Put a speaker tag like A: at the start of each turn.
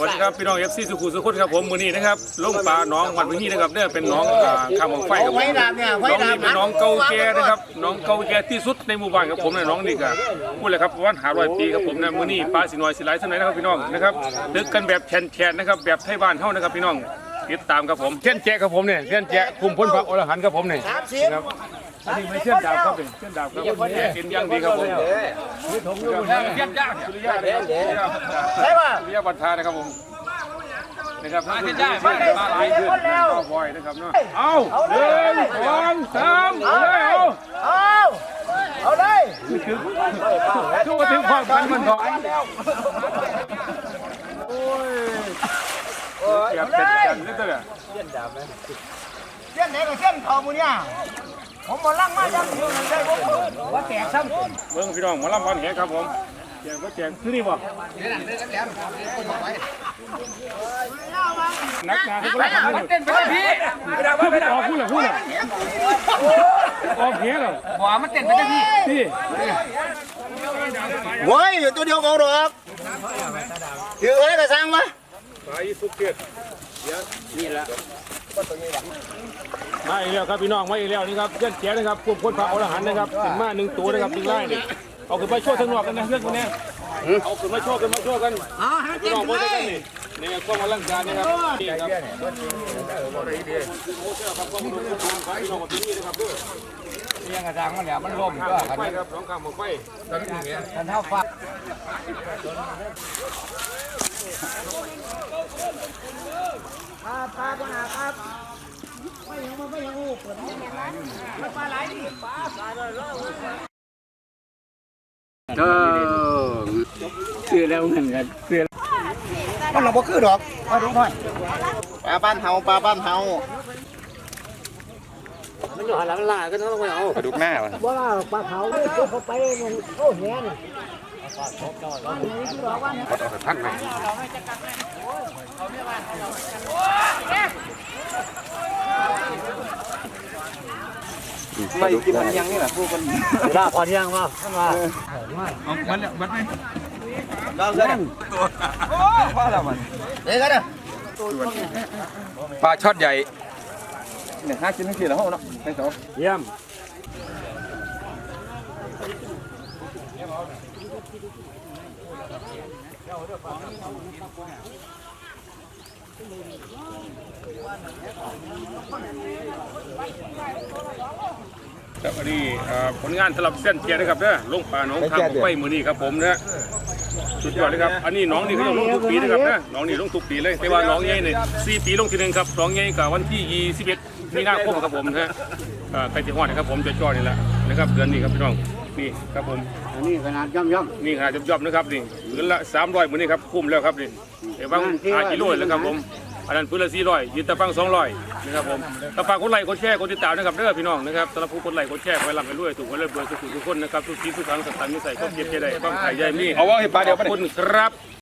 A: วัสดีครับพี่น้องFCสุขุมสุขคนครับผมมื้อนี้นะครับลงปลาหนองวัดพื้นที่นะครับเนี่ยเป็นหนองข้ามของไฟครับผมน้องนี่เป็นหนองเก่าแก่นะครับหนองเก่าแก่ที่สุดในหมู่บ้านครับผมเนี่ยน้องนี่ก็พูดเลยครับประมาณ500 ปีครับผมนะมื้อนี้ปลาสิน้อยสิหลายเท่าไหร่นะครับพี่น้องนะครับตึกกันแบบแฉนๆนะครับแบบไทยบ้านเฮานะครับพี่น้องติดตามครับผมเส้นแจ๊ครับผมเนี่ยเส้นแจ๊คุมพ้นพระอรหันต์ครับผมเนี่ยครับอันนี้ไม่เส้นดาบครับเป็นเส้นดาบครับกินย่างดีครับผมเส้นย่างสุริยะเลยใช่ป่ะสุริยะบัตรทานะครับผมนะครับเส้นย่างมาหลายขึ้นก็บ่อยนะครับเนาะเอา1 2 3เอาเลยทุกถึงความพันมันถอยโอ้ยอยากเป็นกันนิดเดียวเส้นดาบไหมเส้นไหนกับเส้นทองมูเนี่ยผมมาลั่งมาจังอยู่นั่นได้ผมว่าแตกซ้ำเบิ้งพี่น้องมาลั่งวันแหครับผมแจกก็แจกคือนี่บ่นักหนาที่คนละมันเต้นไปได้พี่ไม่ได้ว่าไม่ได้ออกพูดเหรอออกเหี้ยเหรอบ่มันเต้นไปได้พี่
B: โว้ยอยู่ตัวเดียวก็หรอกถือไว้กระซังมา
A: ไปสุกเกตนี่แหละมาอีกแล้วครับพี่น้องมาอีกแล้วนี่ครับเส้นแจ๋นะครับพวกคนพระอรหันต์นะครับถึงมา1 ตัวนะครับถึงไล่เนี่ยเอาขึ้นมาโชว์ทั้งนอกกันนะเรื่องพวกนี้เอาขึ้นมาโชว์กันพี่น้องพวกนี้นี่กล้องอลังการนะครับนี่ครับ
B: นี่ยังกระซังมันเนี่ยมันร่มก็
A: ไฟครับน้องข้ามหมกไฟ
B: กันเท่าฟ้าปลาปัญหาครับไม่ยังงูเปิดปลาไหลปลา
C: เสือแล้วเหมือนกันเสือ
B: มันเราบ่คือดอกมาดูหน่อยปลาบ้านเฮา
C: มันอยู่หันหลังล่าก็ต้องไปเอา
B: ปลาดุกหน้า
C: ว่าปลาเผาเนี่ยเขาไปมันโอ้แหน
B: ท่านไหมไม่กินมันยังนี่แหละพวกมัน
C: ล่าพอยังมาขึ้นมา
B: เอามันเนี่ยมันไม่ลองกันโอ้พ่อเรามันเด็กกันนะปลาช็อตใหญ่เนี่ย5 ชิ้น4แล้วห้องเนาะไม่สอง
A: เยี่ยมครับอันนี้ผลงานสำหรับเส้นเจียนะครับเนี่ยลงปลาหนองทางไฟมือนี่ครับผมนะสุดยอดเลยครับอันนี้น้องนี่เขาลงทุกปีนะครับนะน้องนี่ลงทุกปีเลยแต่ว่าน้องใหญ่เนี่ย4 ปีลงทีนึงครับน้องใหญ่กับวันที่21 มีนาคมครับผมนะใกล้จะฮอดนะครับผมจะจอดนี่แหละนะครับเดือนนี้ครับพี่น้องนี่ครับผม
C: อันนี้ขนาดย่อม
A: นี่ขนาดย่อมนะครับนี่พื้นละ300มือนี่ครับคุ้มแล้วครับนี่แต่บาง5 กิโลเลยครับผมอันนั้นพื้นละ400ยืนตะฟัง200นะครับผมตะฟังคนไลค์คนแชร์คนติดตามนะครับเด้อพี่น้องนะครับสำหรับผู้คนไลค์คนแชร์ไปรับไปรวยถูกไว้เลยเบอร์สุขุทุกคนนะครับทุกทีทุกครั้งสถานมิสัยก็เก็บใจได้บ้างถ่ายใหญ่มี
B: เอาว่าให้ปลาเดียว
A: ขอบคุณครับ